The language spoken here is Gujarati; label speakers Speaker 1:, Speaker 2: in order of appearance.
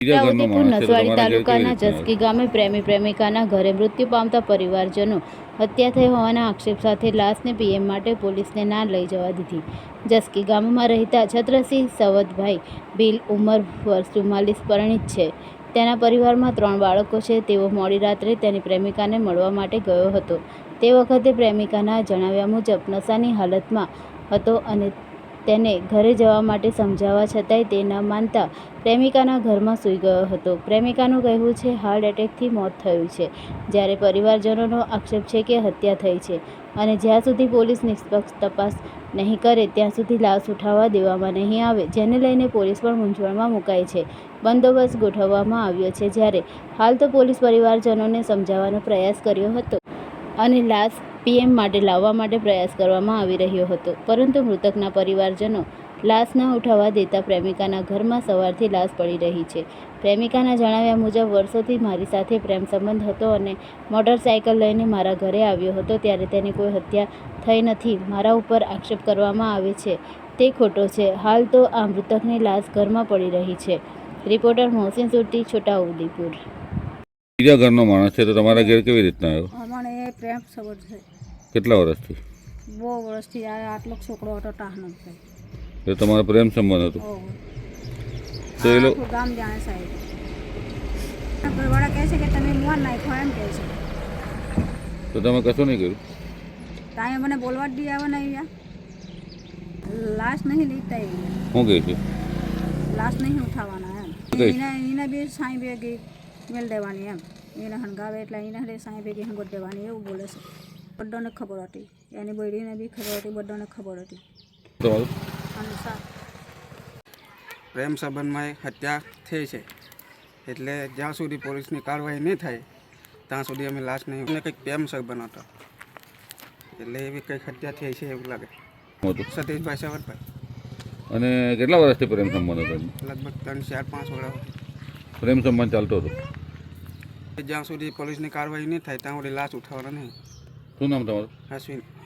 Speaker 1: છોટાઉદેપુર નસવાડી તાલુકાના જસકી ગામે પ્રેમી પ્રેમિકાના ઘરે મૃત્યુ પામતા પરિવારજનો હત્યા થઈ હોવાના આક્ષેપ સાથે લાશને પીએમ માટે પોલીસને ના લઈ જવા દીધી. જસકી ગામમાં રહેતા છત્રસિંહ સવદભાઈ ભીલ ઉંમર વર્ષ 44 પરિણીત છે. તેના પરિવારમાં 3 બાળકો છે. તેઓ મોડી રાત્રે તેની પ્રેમિકાને મળવા માટે ગયો હતો. તે વખતે પ્રેમિકાના જણાવ્યા મુજબ નશાની હાલતમાં હતો અને તેને ઘરે જવા માટે સમજાવવા છતાંય તે ન માનતા પ્રેમિકાના ઘરમાં સૂઈ ગયો હતો. પ્રેમિકાનું કહેવું છે હાર્ટ એટેકથી મોત થયું છે, જ્યારે પરિવારજનોનો આક્ષેપ છે કે હત્યા થઈ છે અને જ્યાં સુધી પોલીસ નિષ્પક્ષ તપાસ નહીં કરે ત્યાં સુધી લાશ ઉઠાવવા દેવામાં નહીં આવે, જેને લઈને પોલીસ પણ મૂંઝવણમાં મુકાઈ છે. બંદોબસ્ત ગોઠવવામાં આવ્યો છે, જ્યારે હાલ તો પોલીસ પરિવારજનોને સમજાવવાનો પ્રયાસ કર્યો હતો અને લાશ પીએમ માટે લાવવા માટે પ્રયાસ કરવામાં આવી રહ્યો હતો, પરંતુ મૃતકના પરિવારજનો લાશ ન ઉઠાવવા દેતા પ્રેમિકાના ઘરમાં સવારથી લાશ પડી રહી છે. પ્રેમિકાના જણાવ્યા મુજબ વર્ષોથી મારી સાથે પ્રેમ સંબંધ હતો અને મોટરસાયકલ લઈને મારા ઘરે આવ્યો હતો, ત્યારે તેની કોઈ હત્યા થઈ નથી. મારા ઉપર આક્ષેપ કરવામાં આવે છે તે ખોટો છે. હાલ તો આ મૃતકની લાશ ઘરમાં પડી રહી છે. રિપોર્ટર મોહસિન સુરતી, છોટાઉદેપુર.
Speaker 2: બીજા ઘરનો માણસ છે તો તમારા ઘેર કેવી રીતના આવ્યો?
Speaker 3: અમારે એ પ્રેમ સંબંધ છે.
Speaker 2: કેટલા વર્ષથી?
Speaker 3: બહુ વર્ષથી આટલો છોકરો હતો ટાહનો છે.
Speaker 2: એ તમારો પ્રેમ સંબંધ હતો? તો એ લોકો
Speaker 3: ગામ જાણે સાહેબ ઘરવાળા કહે છે કે તમે મોન નાખો એમ કહે છે.
Speaker 2: તો તમે કશું નહીં કર્યું?
Speaker 3: તાએ મને બોલવા જ દી આવે ને અહીંયા લાશ નહીં લીધતા અહીંયા
Speaker 2: શું કહે છે?
Speaker 3: લાશ નહીં ઉઠાવવાના એમ. એને બી સાંઈ ભેગી મેળ દેવાની એમ. એને હંગાવે એટલે એને સાંઈ ભેગી હંગોત દેવાની એવું બોલે છે. બધાને ખબર હતી, એની બૈરીને બી ખબર હતી, બધાને ખબર હતી.
Speaker 4: પ્રેમ સંબંધમાં હત્યા થઈ છે, એટલે જ્યાં સુધી પોલીસની કાર્યવાહી નહીં થાય ત્યાં સુધી અમે લાશ નહીં. અને કંઈક પ્રેમ સંબંધ હતો એટલે એવી કંઈક હત્યા થઈ છે એવું લાગે. સતીશભાઈ સવદભાઈ.
Speaker 2: અને કેટલા વર્ષથી પ્રેમ સંબંધ હતો?
Speaker 4: લગભગ 3, 4, 5 વર્ષ
Speaker 2: પ્રેમ સંબંધ ચાલતો હતો.
Speaker 4: જ્યાં સુધી પોલીસની કાર્યવાહી નહીં થાય ત્યાં સુધી લાશ ઉઠાવવાના નહીં.
Speaker 2: શું નામ તમારું?
Speaker 4: અશ્વિન.